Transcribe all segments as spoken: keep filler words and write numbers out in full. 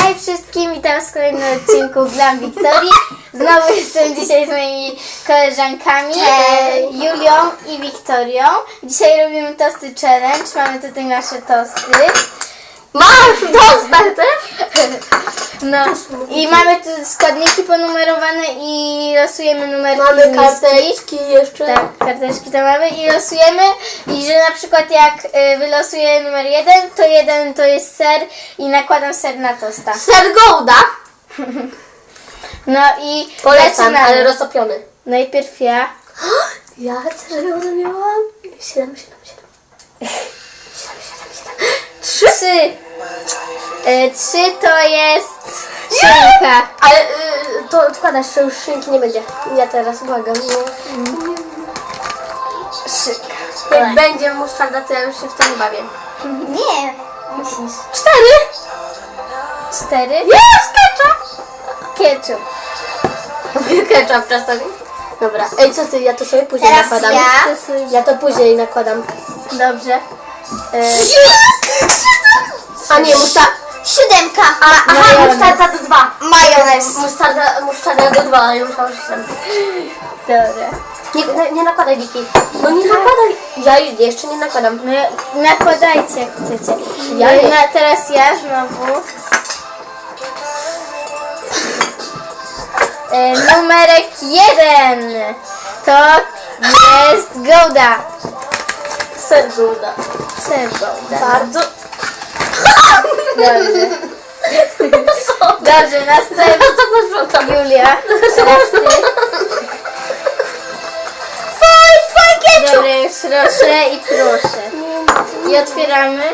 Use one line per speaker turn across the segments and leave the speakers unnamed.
Hej wszystkim, witam w kolejnym odcinku Glam Wiktorii. Znowu jestem dzisiaj z moimi koleżankami e, Julią i Wiktorią. Dzisiaj robimy tosty challenge. Mamy tutaj nasze tosty.
Masz dostać też?
No i mamy tu składniki ponumerowane i losujemy numerki
Mamy
z miski.
karteczki jeszcze.
Tak, karteczki to mamy i losujemy i że na przykład jak y, wylosuję numer jeden, to jeden to jest ser i nakładam ser na tosta.
Ser Gouda.
No i
Polecam,
zaczynamy.
ale roztopiony.
Najpierw ja.
Ja ser Gouda miałam. Siedem, siedem, siedem. Siedem, siedem, siedem. Trzy.
Trzy. Y, trzy to jest szynka.
Ale y, to odkładasz, że już szynki nie będzie. Ja teraz błagam. No.
Szynka.
Jak będzie musztarda, to ja już się w to nie bawię.
Nie. Musisz.
Cztery.
Cztery.
Jest ketchup.
Ketchup.
Ketchup czasami. Dobra. Ej, co ty? Ja to sobie później
Teraz
nakładam.
ja.
Ja to później nakładam.
Dobrze. Y,
A nie, musztarda.
Siódemka.
A, aha,
Majonez.
musztarda do dwa.
Majonez.
Musztarda, musztarda do dwa, ale już mam siedem.
Dobra.
Nie, nie, nie nakładaj, Wiki. No nie nakładaj. Ja jeszcze nie nakładam.
No, nakładajcie jak chcecie.
Ja
Y,
nie.
na, teraz ja znowu. Y, numerek jeden. To jest Gouda.
Ser Gouda.
Ser Gouda.
Bardzo.
Dobrze. Dobrze, następna Julia. Teraz ty.
Faj, twój ketchup.
Dobra, już proszę i proszę. I otwieramy.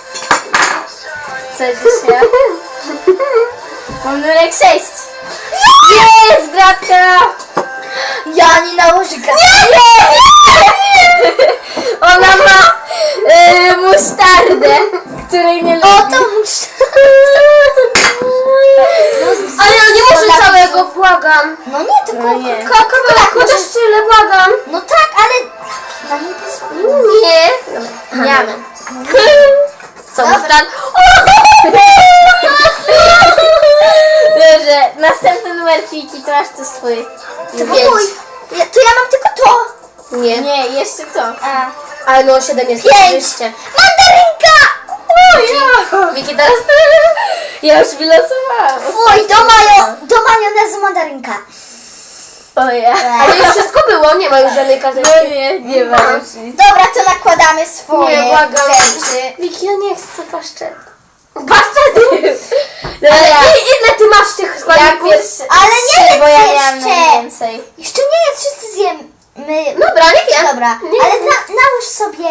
Co dzisiaj? Mam numerek sześć. Jest, gratka! Ja nie nałożę gratka. Ona ma y, musztardę, której nie lubię. O, to
Ale ja nie muszę całego, błagam.
No nie, tylko...
No nie. Kawałek, chociaż tyle, błagam.
No tak, ale... Na nie
Nie.
Nie mam.
Co, musztarda?
Dobrze, następny numer Fiki, to masz to swój.
To mój.
Ja, to ja mam tylko to.
Nie.
Nie, jeszcze to. A.
Ale no, siedem jest.
Pięć.
Oczywiście.
Mandarynka! O, ja.
Wiki, teraz ty.
Ja już wylosowałam.
Fuj, do, majo, do majonezu mandarynka.
O ja.
Ale już wszystko było, nie ma już żadnej
No
karteczki.
nie, nie ma już nic.
Dobra, to nakładamy swoje
Nie, błagam.
rzeczy.
Wiki, ja nie chcę paszczety. Paszczety!
Dobra.
Ale i- ile ty masz tych
Ja
składników?
pierwszy.
Ale nie
trzy, bo ja
jedz
miałam
jeszcze.
najwięcej.
Jeszcze nie jest, wszyscy zjemy.
Dobra, nie wiem.
Dobra,
Nie
ale
wiem.
na, nałóż sobie.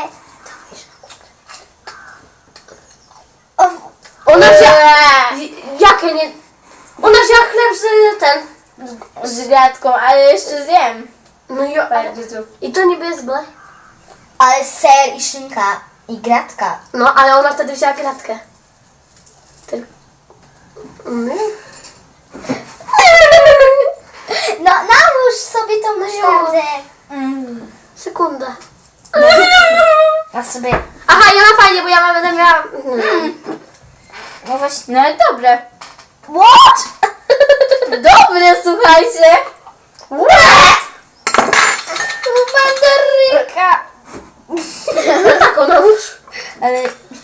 O,
Ona wzięła...
Eee,
Jakie nie... Ona wzięła chleb z ten...
Z gratką, ale jeszcze zjem.
No i...
Bardzo.
I to niby jest ble.
ale ser i szynka i gratka.
No, ale ona wtedy wzięła gratkę. Ty... Mm.
No nałóż sobie tą musztardę.
Mm.
Sekunda.
A sobie.
Aha, ja mam fajnie, bo ja mam, będę miała... Mm.
No właśnie.
No ale dobre.
What?
Dobre, słuchajcie.
What?
Mandarynka.
No tak, ona już...
Ale...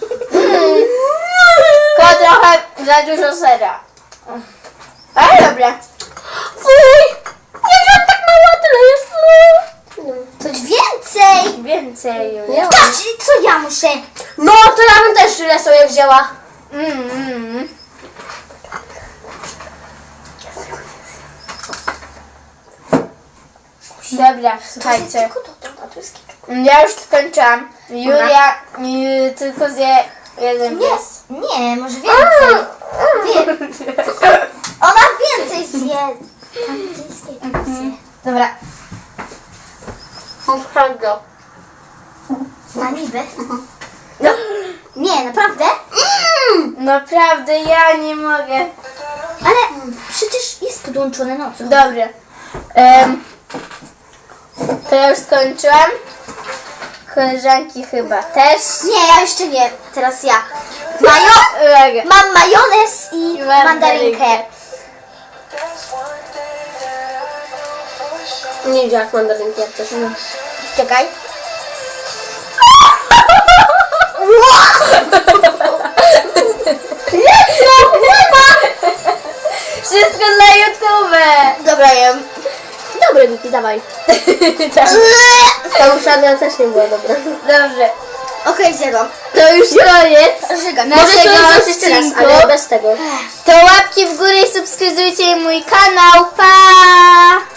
Tylko trochę za dużo sera. Ale dobre.
Fuj! Ja wziąłem tak mało, tyle jest. No.
Coś więcej.
Więcej, Julia.
Ja-
Patrz, co ja muszę?
No, to ja bym też tyle sobie wzięła.
Mm, mm. Dobra, słuchajcie.
Tylko to, to, to jest kilka.
Ja już skończyłam. Julia y, tylko zje jeden
Nie,
pies.
nie, może więcej. Wie, ona więcej zje. Tam brytyjskiej zje. Dobra,
Musztarda.
na niby. No, nie, naprawdę?
Naprawdę, ja nie mogę.
Ale przecież jest podłączone, no co?
Dobra. Em, to ja już skończyłam. Koleżanki chyba też.
Nie, ja jeszcze nie. Teraz ja. Majo...
Uwaga.
Mam majonez i
I mandarynkę.
mandarynkę.
Nie widziałam mandarynki jak coś.
Czekaj.
Wszystko dla YouTube.
Dobra, jem.
Dobre, Wiki, dawaj. Ta uszana też nie była dobra.
Dobrze.
Okej, zjadłam.
To już koniec
Żygam.
Możesz
naszego
to zrobić jeszcze raz,
odcinku.
ale bez tego.
To łapki w górę i subskrybujcie mój kanał. Pa!